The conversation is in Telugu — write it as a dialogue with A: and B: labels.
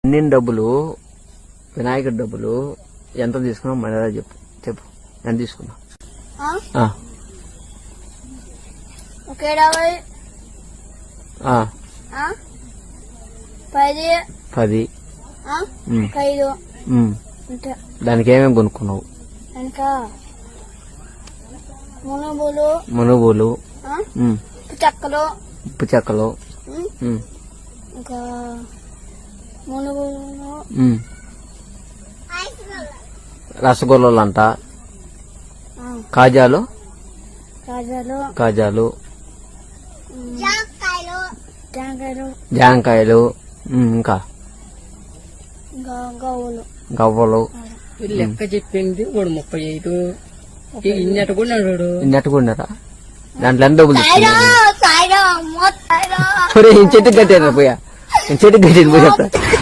A: అన్ని డబ్బులు వినాయకుడి డబ్బులు ఎంత తీసుకున్నావు మర్యాద చెప్పు చెప్పు ఎంత తీసుకున్నావు?
B: ఓకే 10
A: దానికి ఏమేమి కొనుక్కున్నావు? మునుగులు ఉప్పు చెక్కలు
B: ఇంకా మునుగులు
A: రసగుల్లలు అంట కాజాలు జాంకాయలు ఇంకా గవ్వలు
C: లెక్క చెప్పింది వాడు 35
A: ఇన్నట్టుకున్నారా? దాంట్లో ఎంత డబ్బులు తీసుకున్నారు? చెట్టుకు కట్టాను పోయా చెట్టుకు కట్టాను పోయా.